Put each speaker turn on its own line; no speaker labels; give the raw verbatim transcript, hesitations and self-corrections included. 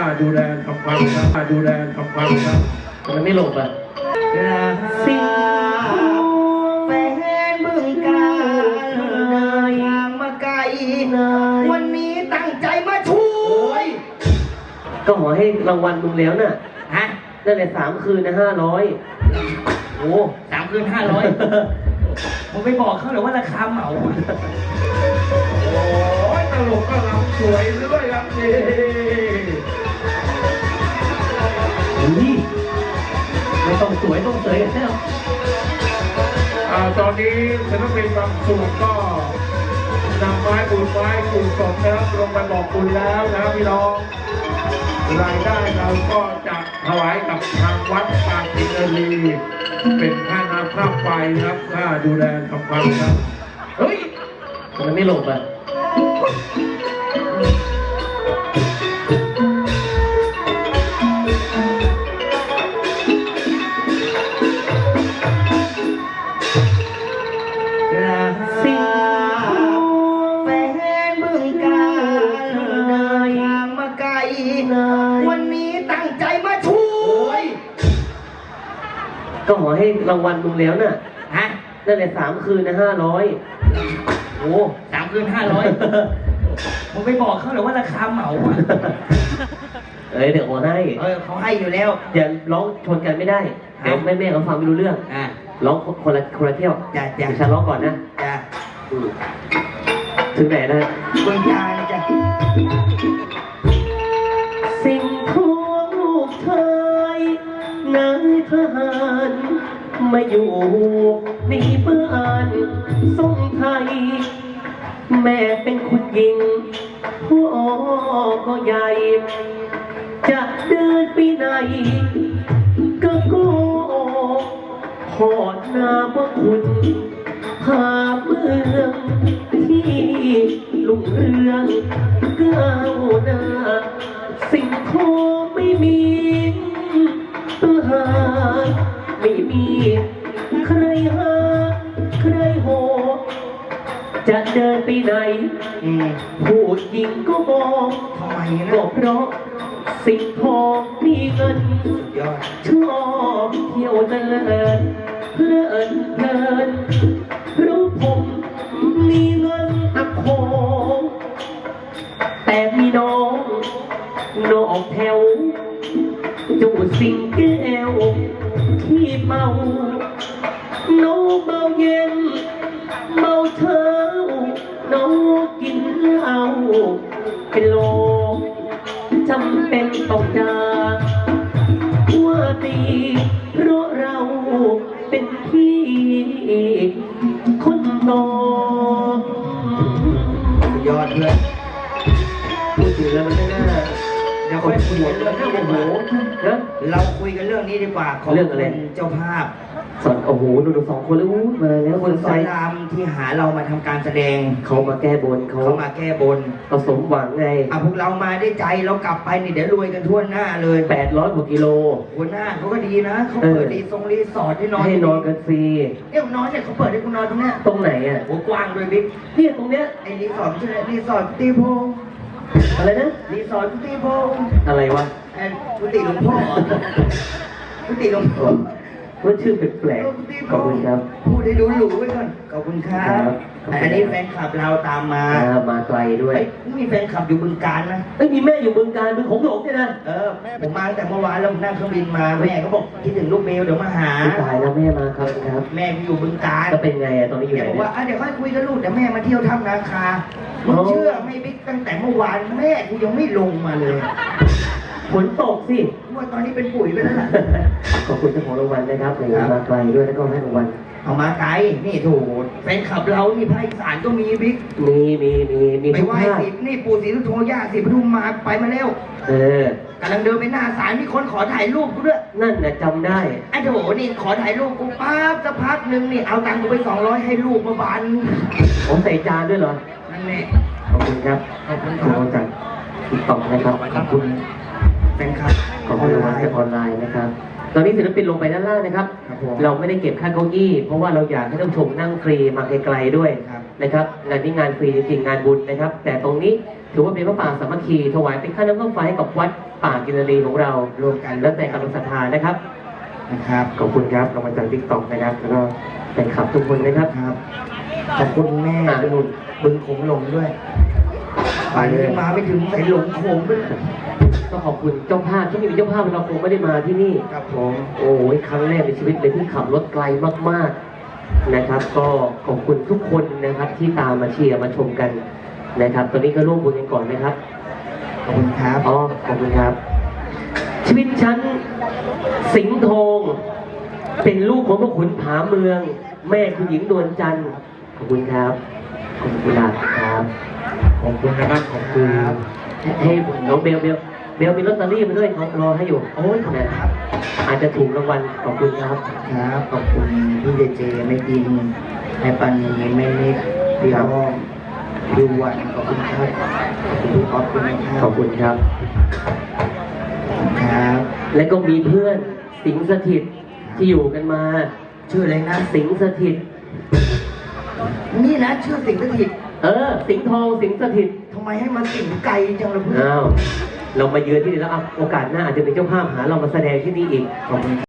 ดูแลทำความครับข้าดูแลทำความครับมันไม่หลบอ่ะ
สิงแฟนบึงกาฬทางมาไกลวันนี้ตั้งใจมาช่วย
ก็ขอให้รางวัลมึงแล้วน่ะ
ฮะ
นั่นแหละสามคืนนะห้าร้อย
โอ้สามคืนห้าร้อยผมไปบอกเขาเลยว่าราคาเหมา
โอ้ยตลกก็รำสวยด้วยครับ
นี่ไม่ต้องสวยต้องเสยกันแล้ว
ตอนนี้ศิลปินบางส่วนก็นำไม้ปูนไม้ปูนสดนะครับลงไปบอกคุณแล้วนะครับพี่น้องรายได้เราก็จะถวายกับทางวัดปางอินทรีเป็นค่าน้ำค่าไฟครับค่าดูแลทำความครับ
เฮ้ยมันไม่หลบอ่ะ
สิงแฟนบึงกาฬทางมาไกลวันนี้ตั้งใจมาช่วย
ก็ขอให้รางวัลมึงแล้วน่ะ
ฮะ
นั่นแหละสามคืนนะห้าร้อย
โอ้สามคืนห้าร้อยผมไปบอกเขาเลยว่าราคาเหมาอ่ะ
เอ้ยเดี๋ยวโอนให้
เออเขาให้อยู่แล้ว
อย่าร้องชนกันไม่ได้เดี๋ยวแม่แม่เขาฟังไม่รู้เรื่อง
อ่ะ
ร้องคนละคนละเที่ยว
จ้ะจ้ะ
ฉันร้องก่อนนะ
จ้ะ
ถึงไหนนะ
บึงกาฬจ้ะ
สิ่งของลูกชายนายทหารมาอยู่ในบ้านทรงไทยแม่เป็นคนยิงพ่อก็ใหญ่จะเดินไปไหนก็โก้ขอหน้าว่าคุณหาเมืองที่ลุงเรืองก้าวหน้าสิ่งของไม่มีปัญหาไม่มีใครหาใครโหจะเดินไปไหนผู้หญิงก็มอง
ทำไมนะ
ก็เพราะสิ่งทองมีเงินชอบเที่ยวเดินเพลินเพลินรู้ผมมีเงินอักโขแต่มีน้องนอกแถวจูสิงแก้วที่เมาน้องเมาเย็นเมาเช้าน้องกินเหล้าเป็นโลจำเป็นต้องจากว่าตีเพราะเราเป็นพี่คนโต
ยอดเลย
พูดถึงแล้วมันไม่น่า
เดี๋ยวค่อยคุยกันเรื่องนี้ดีกว่านะเราคุยกันเรื่องนี้ดีกว่าของเป็นเจ้าภาพ
สอนโอ้โหดูดูสองคนแล้วมาแล้ว
คนสอนรามที่หาเรามาทำการแสดง
เขามาแก้บน
เขามาแก้บน
เราสมหวังไง
อ่ะพวกเรามาได้ใจเรากลับไปนี่เดี๋ยวรวยกันทั่วหน้าเลย
แปดร้อยกว่ากิโล
หัวหน้าเขาก็ดีนะเขาเปิดรีสอร์ทรีสอร์ทให้นอน
ให้นอนกันฟรี
เอ้ยนอนเนี่ยเขาเปิดให้คุณนอนตรงเนี้ย
ตรงไหนอ่ะ
โอ้กว้างด้วยบิ๊ก
เนี่ยตรงเนี้ย
ไอ้รีสอร์ทใช่ไหมรีสอร์ทตีโพ
อะไรนะ
รีสอร์ทตีโพ
อะไรวะ
ไอ้กุฏิหลวงพ่อกุฏิหลวงพ่อ
ว่าชื่อแปลกๆขอบคุณครับ
พูดให้รู้หรูไว้ก่อนขอบคุณครับอันนี้แฟนคลับเราตามมา
มาไกลด้วย
มีแฟนคลับอยู่บึงกาฬนะ
เอ้ยมีแม่อยู่บึงกาฬบึงของหลงเนี่ยนะ
เออผมมาแต่เมื่อวานแล้วผมนั่งเครื่องบินมาแม่เขาบอกคิดถึงลูกเมลเดี๋ยวมาหา
ตายแล้วแม่มาครับครับ
แม่อยู่บึงกาฬ
ก็เป็นไงอะตอนนี้อยู่ไหน
บอกว่าเดี๋ยวค่อยคุยกับลูกเดี๋ยวแม่มาเที่ยวถ้ำนาคามึงเชื่อไม่บิ๊กตั้งแต่เมื่อวานแม่กูยังไม่ลงมาเลย
ฝนตกสิ
ว่าตอนนี้เป็นปุ๋ยไปแล้วล่ะ
ขอบคุณเจ้าของรางวัลนะครับในมาไกลด้วยแล้วก็ให้รางวัล
เอามาไกลนี่ถูกแฟนคลับเรานี่ภาคอีสานก็มีบิ๊ก
มีมีมีมี
ไปไหว้สินี่ปู่ศรีสุโธย่าศรีปทุมมาไปมาแล้ว
เออก
ำลังเดินไปหน้าศาลมีคนขอถ่ายรูปกูด้วย
นั่นน่ะจำได้
ไอ้โถนี่ขอถ่ายรูปกูปั๊บสักพักหนึ่งนี่เอาตังค์กูไปสองร้อยให้รูปมาบาน
ผมใส่จานด้วยเหรอ
นั่นแหละ
ขอบคุณครับ
ขอบคุณค
รับจากติ๊กต็อกนะครับขอบคุณ
แฟนคลับ
ขอบคุณรางวัลจากออนไลน์นะครับตอนนี้ศิลปินลงไปด้านล่างนะครับเราไม่ได้เก็บค่าเก้าอี้เพราะว่าเราอยากให้ท่านผู้ชมนั่งฟรีมาไกลๆด้วยนะครับงานนี้งานฟรีจริงๆงานบุญนะครับแต่ตรงนี้ถือว่าเป็นพระป่าสามัคคีถวายเป็นค่าน้ำค่าไฟให้กับวัดป่ากินรีของเรา
รวมกัน
แล้วแต่กำลังศรัทธานะครับ
นะครับ
ขอบคุณครับรางวัลจากทิกตอกนะครับแล้วก็แฟนคลับทุกคนนะครับ
ครับขอบคุณแม่
อ่า
บุญบึงโขงหลงด้วยป่านนี้มาไม่ถึงใส่หลงโขงด้วย
ก็ขอบคุณเจ้าภาพที่มีเจ้าภาพเราคงไม่ได้มาที่นี่
ครับผม
โอ้ยครั้งแรกในชีวิตเลยที่ขับรถไกลมากๆนะครับ ก็ขอบคุณทุกคนนะครับที่ตามมาเชียร์มาชมกันนะครับ ตอนนี้ก็ร่วมบุญกันก่อนนะครับ
ขอบคุณครับ
อ๋อขอบคุณครับ ชีวิตฉันสิงห์ทองเป็นลูกของพระขุนผาเมือง แม่คุณหญิงนวลจันทร์ขอบคุณครับขอบคุณครับครับ
ขอบคุณนะครับขอบคุณ
ครับ
ให้น้องเบลเบลเบลมีลอตเตอรี่มาด้วยเขารอให้อยู่
โอ้ยขอบคุณครับ
อาจจะถูกรางวัลขอบคุณครับ
ครับ ขอบคุณพี่เจเจไม่ดินในปันนีไม่นิดพี่อ้อมพี่วันขอบคุณครับขอบคุณพี่ออฟด้วยนะค
ข
รั
อ
บบ
คุณครับ
ครับ
และก็มีเพื่อนสิงห์สถิตที่อยู่กันมา
ชื่ออะไรนะ
สิงห์สถิต
นี่นะชื่อสิงห์สถิต
เออ สิงห์ทองสิงห์สถิต
ทำไมให้มาสิงห์ไกลจังเลยเพื่อน
อ้าวเรามาเยือนที่นี่แล้วอ่ะโอกาสหน้าอาจจะเป็นเจ้าภาพหาเรามาแสดงที่นี่อีก
ขอบคุณ